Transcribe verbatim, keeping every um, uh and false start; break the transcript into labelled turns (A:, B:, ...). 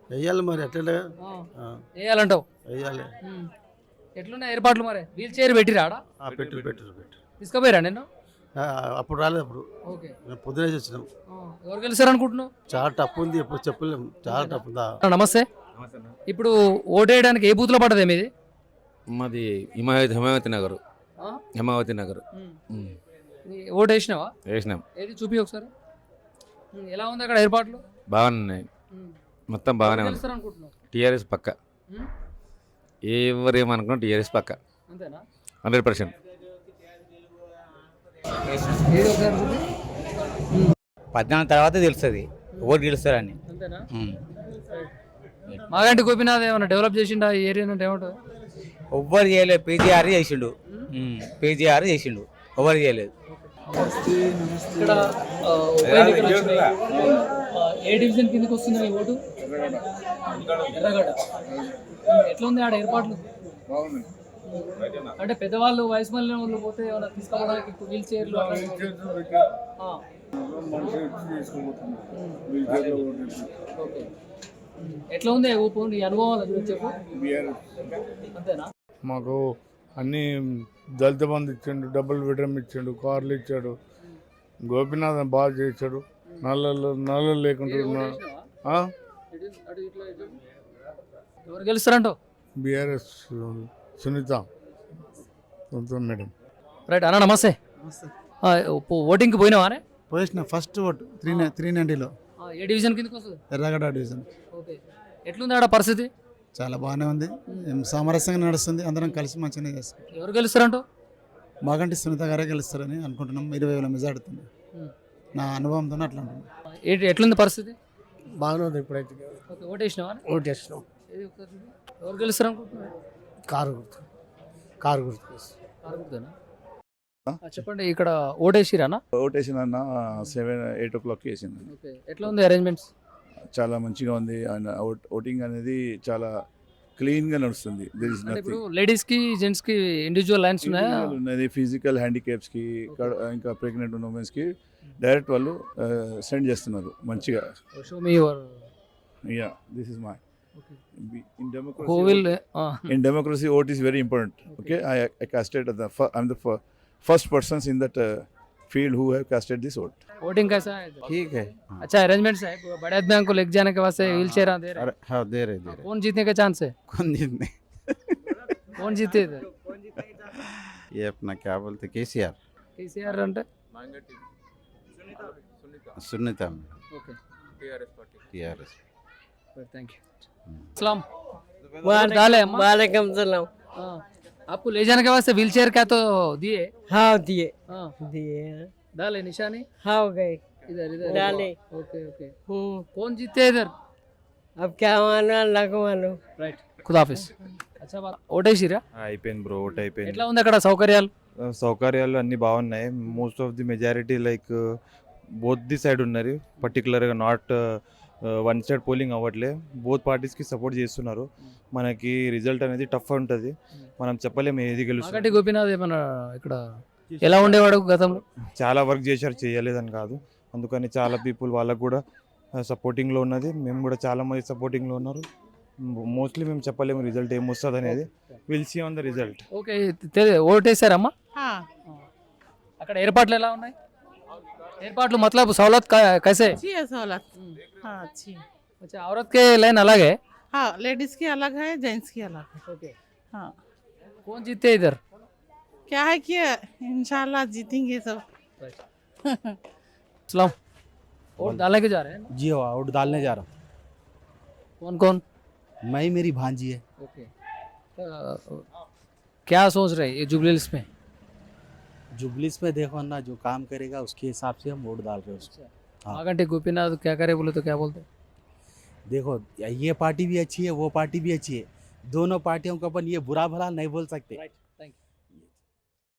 A: వెయ్యాలి మరి ఎట్లా
B: వేయాలంటావు.
A: వెయ్యాలి.
B: ఎట్లున్నాయి ఏర్పాట్లు మరి? వీల్ చైర్ పెట్టిరా ఆడ?
A: పెట్టు పెట్టు పెట్టు
B: తీసుకుపోయారా నేను?
A: అప్పుడు రాలేదు. అప్పుడు
B: ఓకే.
A: మేము పొద్దునే వచ్చినాం.
B: ఎవరు గెలుస్తారు అనుకుంటున్నావు?
A: చాలా టఫ్ ఉంది, ఎప్పుడు చెప్పలేము. చాలా టఫ్ ఉందా.
B: నమస్తే. ఇప్పుడు ఓటేయడానికి ఏ బూత్లో పడ్డది మీది?
C: మాది హిమాయత్ హిమావతి నగర్. హిమావతి నగర్
B: ఓటు వేసినావా?
C: వేసినాం.
B: ఏది చూపి ఒకసారి. ఎలా ఉంది అక్కడ ఏర్పాట్లు?
C: బాగున్నాయి, మొత్తం బాగానే ఉంది. టీఆర్ఎస్ పక్క, ఎవరు ఏమనుకున్నా టీఆర్ఎస్ పక్క
B: అంతేనా?
C: Hundred percent.
D: పద్నాలుగు తర్వాత తెలుస్తుంది ఓటు గెలుస్తారని.
B: అంతేనా? మాగంటి గోపీనాథ్ ఏమన్నా డెవలప్ చేసిండా ఈ ఏరియా అంటే ఏమంటారు?
D: ఎవ్వరు చేయలేదు, పీజీఆర్ చేసిండు. పీజీఆర్ చేసిండు, ఎవరు చేయలేదు.
B: ఇక్కడ ఉప ఎన్నికలు వచ్చినాయి. ఏ డివిజన్ కిందకి వస్తుంది మీ ఓటు? ఎర్రగడ్డ. ఎట్లా ఉంది ఆడ ఏర్పాట్లు? అంటే పెద్దవాళ్ళు వయసు మళ్ళీ వాళ్ళు పోతే ఏమైనా తీసుకోవడానికి వీల్ చైర్లు ఓకే. ఎట్లా ఉంది ఊపు నీ అనుభవాలు చెప్పు. అంతేనా?
E: మాకు అన్ని దళిత బంధు ఇచ్చిండు, డబుల్ బెడ్రూమ్ ఇచ్చిండు, కార్లు ఇచ్చాడు. గోపీనాథ్ బాగా చేశాడు. నల్లలు నల్లలు లేకుండా
B: ఎవరు గెలుస్తారంటో?
E: BRS Sunitha madam.
B: రైట్ అన్న, నమస్తే. ఓటింగ్కి పోయినావా?
A: పోయిన ఫస్ట్ ఓటు త్రీ త్రీ నైంటీలో.
B: ఏ డివిజన్ కిందకి వస్తుంది?
A: ఎర్రగడ్డ డివిజన్.
B: ఓకే. ఎట్లుంది ఆడ పరిస్థితి?
A: చాలా బాగానే ఉంది, సామరస్యంగా నడుస్తుంది. అందరం కలిసి మంచిగానే చేస్తాం.
B: ఎవరు గెలుస్తారంటో?
A: మాగంటి సునీత గారే గెలుస్తారని అనుకుంటున్నాం. ఇరవై వేల మెజార్టీ నా అనుభవంతో అట్లా అంటున్నాం.
B: ఎట్లుంది పరిస్థితి?
A: బాగానే ఉంది ఇప్పుడైతే.
B: ఓకే. ఓటేసినావా?
A: ఓటేసినాం.
B: ఎవరు గెలుస్తారు అనుకుంటున్నారు?
A: కారు గుర్తు. కారు గుర్తు.
B: కారు గుర్తునా? చెప్పండి, ఇక్కడ ఓటేసిరానా?
F: ఓటేసిన అన్న సెవెన్ ఎయిట్ ఓ క్లాక్ వేసింది.
B: ఓకే. ఎట్లా ఉంది అరేంజ్మెంట్స్?
F: చాలా మంచిగా ఉంది. ఆయన ఓటింగ్ అనేది చాలా క్లీన్గా నడుస్తుంది.
B: ఇప్పుడు లేడీస్కి జెంట్స్కి ఇండివిజువల్ లైన్స్ ఉన్నాయా?
F: ఉన్నది. ఫిజికల్ హ్యాండిక్యాప్స్కి ఇంకా ప్రెగ్నెంట్ ఉన్న ఉమెన్స్కి డైరెక్ట్ వాళ్ళు సెండ్ చేస్తున్నారు మంచిగా. Yeah, this is my in democracy. Who will uh, in democracy vote is very important. Okay, I, I casted the I'm the first persons in that uh, field who have casted this vote.
B: Voting कैसा है?
F: ठीक है.
B: अच्छा arrangements है? बड़े आदमी को लेके जाने के वास्ते व्हील चेयर दे रहे हैं?
F: हाँ दे रहे दे रहे.
B: कौन जीतने का चांस है?
F: कौन जीतने?
B: कौन जीते इधर?
F: ये अपना क्या बोलते केसीआर.
B: केसीआर అంటే
F: Sunitha.
B: Okay.
F: TRS party. TRS.
B: Thank you. सलाम
G: वालेकुम सलाम.
B: आपको ले जाने के वास्ते व्हील चेयर क्या तो दिए?
G: हाँ दिए.
B: हाँ
G: दिए.
B: डाले निशानी?
G: हाँ हो गए.
B: इधर इधर
G: डाले.
B: Okay okay.
G: हम्म.
B: कौन जीते इधर?
G: अब क्या मानो अल्लाह को मानो.
B: రైట్. ఖుదాఫిజ్. అచ్చా బాగా ఓటేసిరా?
H: అయిపోయింది బ్రో, ఓట్ అయిపోయింది.
B: ఎట్లా ఉంది అక్కడ సౌకర్యాలు?
H: సౌకర్యాలు అన్నీ బాగున్నాయి. Most of the majority like both the side ఉన్నారు. పర్టికులర్గా నాట్ వన్ సైడ్ పోలింగ్ అవ్వట్లే. బోత్ పార్టీస్కి సపోర్ట్ చేస్తున్నారు. మనకి రిజల్ట్ అనేది టఫ్ ఉంటుంది, మనం చెప్పలేము ఏది గెలుస్తుంది.
B: మాగంటి గోపీనాథ్ ఏమన్నా ఇక్కడ ఎలా ఉండేవాడు గతంలో?
H: చాలా వర్క్ చేశారు, చేయలేదని కాదు. అందుకని చాలా పీపుల్ వాళ్ళకు కూడా సపోర్టింగ్లో ఉన్నది. మేము కూడా చాలా మంది సపోర్టింగ్లో ఉన్నారు. మోస్ట్లీ మేము చెప్పలేము రిజల్ట్ ఏమొస్తుంది అనేది. Will see on the result.
B: Okay. ఓటేసారమ్మా? అక్కడ ఏర్పాట్లు ఎలా ఉన్నాయి? ఏర్పాట్లు मतलब सहूलत कैसे?
G: अच्छी है सहूलत. हाँ अच्छी.
B: अच्छा, औरत के लाइन अलग है?
G: हाँ, लेडीज की अलग है, जेंट्स की अलग है.
B: ओके.
G: हाँ.
B: कौन जीते इधर?
G: क्या है कि इंशाल्लाह जीतेंगे सब.
B: सलाम. वोट डालने के जा रहे हैं?
D: जी हाँ, वोट डालने जा रहा हूँ.
B: कौन कौन?
D: मैं ही, मेरी भांजी है.
B: ओके. क्या सोच रहे हैं ये जुबलीस में?
D: जुबलीस में देखो ना, जो काम करेगा उसके हिसाब से हम वोट डाल रहे हैं उसको.
B: मागंटी गोपीनाथ क्या करे बोले तो क्या बोलते?
D: देखो ये पार्टी भी अच्छी है, वो पार्टी भी अच्छी है. दोनों पार्टियों को अपन ये बुरा भला नहीं बोल सकते.